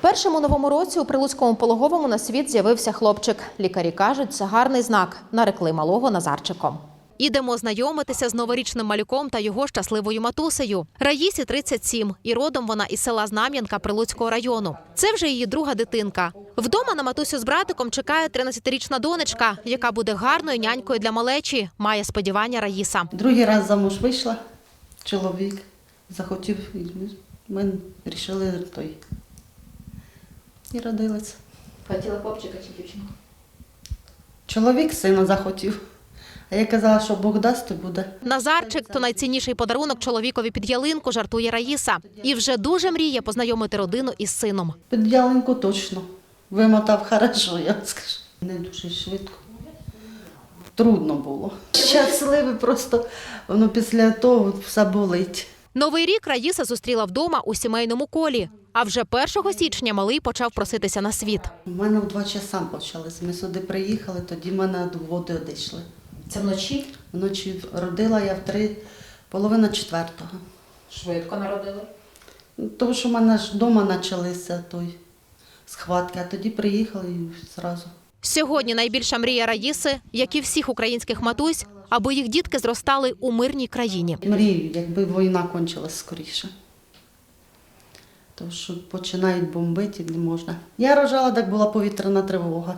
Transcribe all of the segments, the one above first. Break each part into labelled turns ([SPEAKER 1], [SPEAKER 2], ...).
[SPEAKER 1] Першим у новому році у Прилуцькому пологовому на світ з'явився хлопчик. Лікарі кажуть, це гарний знак. Нарекли малого Назарчиком. Ідемо знайомитися з новорічним малюком та його щасливою матусею. Раїсі 37, і родом вона із села Знам'янка Прилуцького району. Це вже її друга дитинка. Вдома на матусю з братиком чекає 13-річна донечка, яка буде гарною нянькою для малечі, має сподівання Раїса.
[SPEAKER 2] Другий раз замуж вийшла, чоловік захотів, і ми вирішили той. І родилась.
[SPEAKER 1] Хотіла хлопчика чи дівчинку?
[SPEAKER 2] Чоловік сина захотів. А я казала, що Бог дасть, то буде.
[SPEAKER 1] Назарчик – то найцінніший подарунок чоловікові під ялинку, жартує Раїса. І вже дуже мріє познайомити родину із сином.
[SPEAKER 2] Під ялинку точно. Вимотав хорошо, я скажу. Не дуже швидко. Трудно було. Щасливе просто, воно після того все болить.
[SPEAKER 1] Новий рік Раїса зустріла вдома у сімейному колі. А вже 1 січня малий почав проситися на світ.
[SPEAKER 2] У мене в 2 часа почалось. Ми сюди приїхали, тоді в мене води одійшли.
[SPEAKER 1] Це вночі?
[SPEAKER 2] Вночі родила я в 3:30.
[SPEAKER 1] Швидко народили.
[SPEAKER 2] Тому що в мене ж вдома почалися схватки, а тоді приїхали і одразу.
[SPEAKER 1] Сьогодні найбільша мрія Раїси, як і всіх українських матусь, аби їх дітки зростали у мирній країні.
[SPEAKER 2] Мрію, якби війна кончилась скоріше. Тому що починають бомбити, не можна. Я рожала, так була повітряна тривога.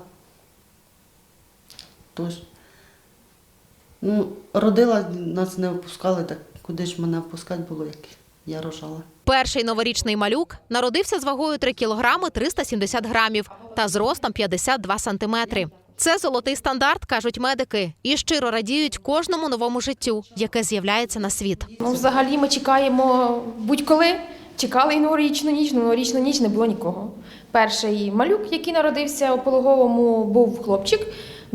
[SPEAKER 2] Тож, родила, нас не опускали, так куди ж мене опускати було, як я рожала.
[SPEAKER 1] Перший новорічний малюк народився з вагою 3 кілограми 370 грамів та зростом 52 сантиметри. Це золотий стандарт, кажуть медики, і щиро радіють кожному новому життю, яке з'являється на світ.
[SPEAKER 3] Взагалі ми чекаємо будь-коли. Чекали і новорічну ніч не було нікого. Перший малюк, який народився у пологовому, був хлопчик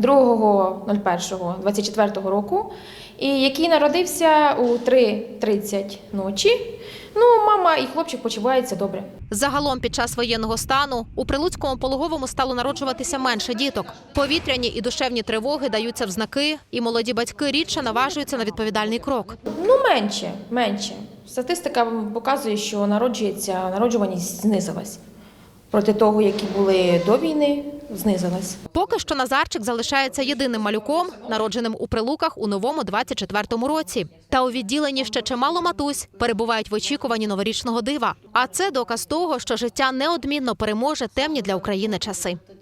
[SPEAKER 3] 2.01.24 року, і який народився у 3:30 ночі. Мама і хлопчик почуваються добре.
[SPEAKER 1] Загалом під час воєнного стану у Прилуцькому пологовому стало народжуватися менше діток. Повітряні і душевні тривоги даються в знаки, і молоді батьки рідше наважуються на відповідальний крок.
[SPEAKER 3] Менше. Статистика показує, що народжуваність знизилась. Проти того, які були до війни, знизилась.
[SPEAKER 1] Поки що Назарчик залишається єдиним малюком, народженим у Прилуках у новому 24-му році. Та у відділенні ще чимало матусь перебувають в очікуванні новорічного дива. А це доказ того, що життя неодмінно переможе темні для України часи.